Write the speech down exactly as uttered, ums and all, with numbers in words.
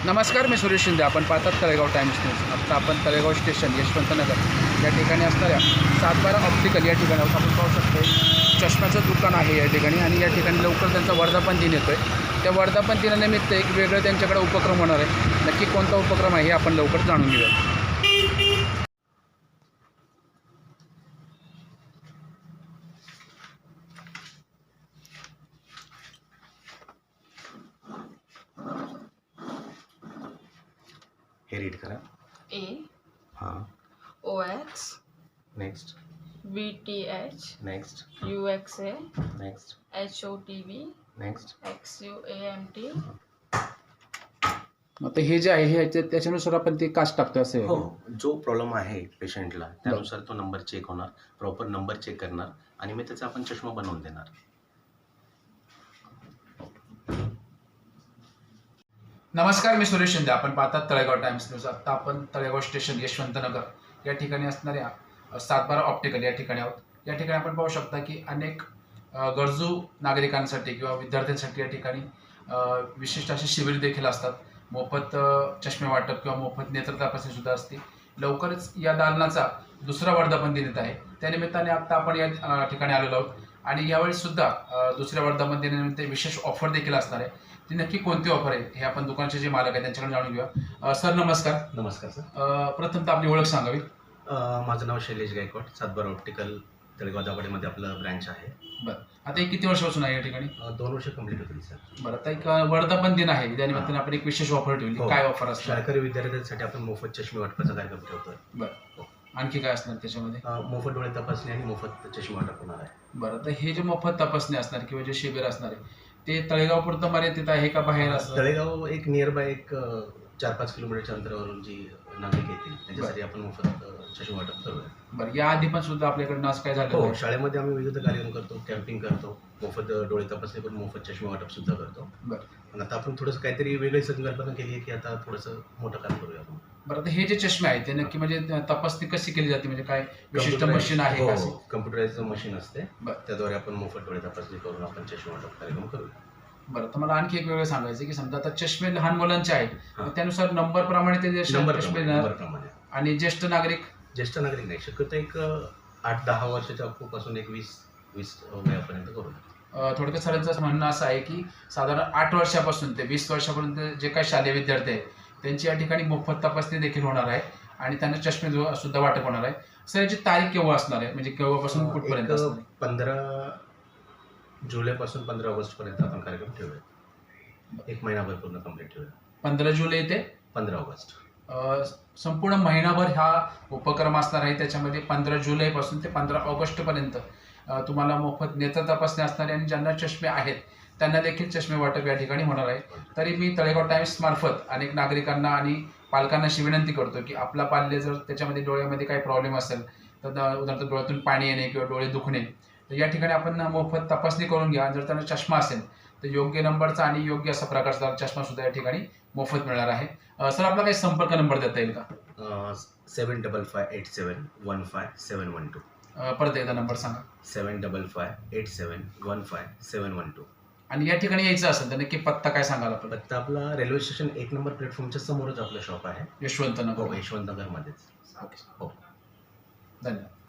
नमस्कार, मी सुरेश शिंदे. आपण पाहतात तळेगाव टाइम्स न्यूज. आता आपण तळेगाव स्टेशन यशवंतनगर या ठिकाणी असणाऱ्या सातबारा ऑप्टिकल या ठिकाणी आपण पाहू शकतो. चष्म्याचं दुकान आहे या ठिकाणी आणि या ठिकाणी लवकर त्यांचा वर्धापन दिन येतो आहे. त्या वर्धापन दिनानिमित्त एक वेगळं त्यांच्याकडे उपक्रम होणार आहे. नक्की कोणता उपक्रम आहे हे आपण लवकर जाणून घेऊया. हे रीड करा. ए हां. O X next. V T H next. U X A next. H O T V next. X U A M T. आता हे जे आहे हे ते- त्याच्यानुसार आपण ते कास्ट टाकतो असे. हो, जो प्रॉब्लेम आहे पेशंटला त्यानुसार तो नंबर चेक होणार, प्रॉपर नंबर चेक करणार आणि मग त्याचा आपण चष्मा बनवून देणार. नमस्कार, मी सुरेश शिंदे. आपण पाहतात तळेगाव टाइम्स न्यूज. आता आपण तळेगाव स्टेशन यशवंतनगर या ठिकाणी असणाऱ्या अ, सातबारा ऑप्टिकल या ठिकाणी आहोत. या ठिकाणी आपण पाहू शकता की अनेक अ, गरजू नागरिकांसाठी किंवा विद्यार्थ्यांसाठी या ठिकाणी अ, विशिष्ट असे शिबिर देखील असतात. मोफत अ, चष्मे वाटप किंवा मोफत नेत्र तपासणी सुद्धा असते. लवकरच या दालनाचा दुसरा वर्धापन दिन येत आहे. त्यानिमित्ताने आता आपण या अ, ठिकाणी आलेलो आहोत आणि यावेळेस सुद्धा अ, दुसऱ्या वर्धापन दिनानिमित्त विशेष ऑफर देखील असणार आहे. ती नक्की कोणती ऑफर आहे हे आपण दुकानाचे जे मालक आहेत त्यांच्याकडे जाणून घेऊया. अ, सर नमस्कार. नमस्कार सर. अ, प्रथमतः आपली ओळख सांगावी. अ, माझं नाव शैलेश गायकवाड. सातबारा ऑप्टिकल तळेगाव दाभाडेमध्ये आपलं ब्रँच आहे. बरं, आता हे किती वर्षापासून आहे या ठिकाणी? अ, दोन वर्ष कंप्लीट होतील सर. बरं, आता एक अ, वर्धापन दिन आहे त्यानिमित्ताने आपण एक विशेष ऑफर ठेवली. हो. काय ऑफर असणार? शाळकरी विद्यार्थ्यांसाठी आपण मोफत चष्मे वाटपाचा कार्यक्रम ठेवतोय. बरं, आणखी काय असणार त्याच्यामध्ये? अ, मोफत डोळे तपासणी आणि मोफत चष्मे वाटप होणार आहे. बरं, तर हे जे मोफत तपासणी असणार किंवा जे शिबिर असणार आहे ते तळेगाव पुरतं मर्यादित आहे का बाहेर असणार? तळेगाव एक नियर बाय एक अ, चार पाच किलोमीटरच्या अंतरावरून जी नागरिक येतील त्यांच्यासाठी आपण मोफत अ, चष्मे वाटप करूया. बरं, या आधी पण सुद्धा आपल्याकडनं असं काय झालं? हो, शाळेमध्ये आम्ही विविध कार्यक्रम करतो, कॅम्पिंग करतो, मोफत डोळे तपासणी करून मोफत चष्मे वाटप सुद्धा करतो. बरं. पण आता आपण थोडंसं काहीतरी वेगळी संकल्पना केली आहे की आता थोडंसं मोठं काम करूया आपण. बरं, आता हे जे चष्मे आहेत ते नक्की म्हणजे तपासणी कशी केली जाते, म्हणजे काय विशिष्ट मशीन आहे का? हो, कम्प्युटराइज्ड मशीन असते. बरं. त्याद्वारे आपण मोफत डोळे तपासणी करून आपण चष्मे वाटप कार्यक्रम करूया. बरं, तर मला आणखी एक वेगळं सांगायचं की समजा आता चष्मे लहान मुलांचे आहेत हां. तर त्यानुसार नंबर प्रमाणे ते जे नंबर चष्मे प्रमाणे देणार. नंबर प्रमाणे. आणि ज्येष्ठ नागरिक? ज्येष्ठ नागरिक नाही, शक्यतो एक अ, आठ दहा वर्षाच्या पासून एक वीस वीस वयापर्यंत करूया. अ, थोडक्यात सरांचं म्हणणं असं आहे की साधारण आठ वर्षापासून ते वीस वर्षापर्यंत जे काही शालेय विद्यार्थी आहेत त्यांची या ठिकाणी मोफत तपासणी देखील होणार आहे आणि त्यांना चष्मे जो- सुद्धा वाटप होणार आहे. सर, याची तारीख केव्हा असणार आहे, म्हणजे केव्हापासून अ, कुठपर्यंत एक असणार आहे? पंधरा जुलैपासून पंधरा ऑगस्टपर्यंत आपण कार्यक्रम ठेवूया. एक महिनाभर पूर्ण कंप्लीट ठेवूया. पंधरा जुलै ते पंधरा ऑगस्ट. अ, संपूर्ण महिनाभर हा उपक्रम असणार आहे. त्याच्यामध्ये पंधरा जुलैपासून ते पंधरा ऑगस्टपर्यंत अ, तुम्हाला मोफत नेत्र तपासणी असणार आहे आणि ज्यांना चष्मे आहेत त्यांना देखील चष्मे वाटप या ठिकाणी होणार आहे. तरी मी तळेगाव टाइम्स मार्फत अनेक नागरिकांना आणि पालकांना अशी विनंती करतो की आपला पाल्य जर त्याच्यामध्ये डोळ्यामध्ये काही प्रॉब्लेम असेल तर द- उदाहरणार्थ डोळ्यातून पाणी येणे किंवा डोळे दुखणे तर या ठिकाणी आपण मोफत तपासणी करून घ्या. आणि जर त्यांना चष्मा असेल तर योग्य नंबरचा आणि योग्य असा प्रकारचा चष्मा सुद्धा या ठिकाणी मोफत मिळणार आहे. अ, सर, आपला काही संपर्क नंबर देता येईल का? Seven double five eight seven one five seven one two. अ, परत एकदा नंबर सांगा. Seven double five eight seven one five seven one two. आणि या ठिकाणी यायचं असेल तर नक्की पत्ता काय सांगाल आपल्याला? फक्त आपला रेल्वे स्टेशन एक नंबर प्लॅटफॉर्मच्या समोरच आपलं शॉप आहे. यशवंतनगर. हो, यशवंतनगरमध्येच. ओके, हो. धन्यवाद.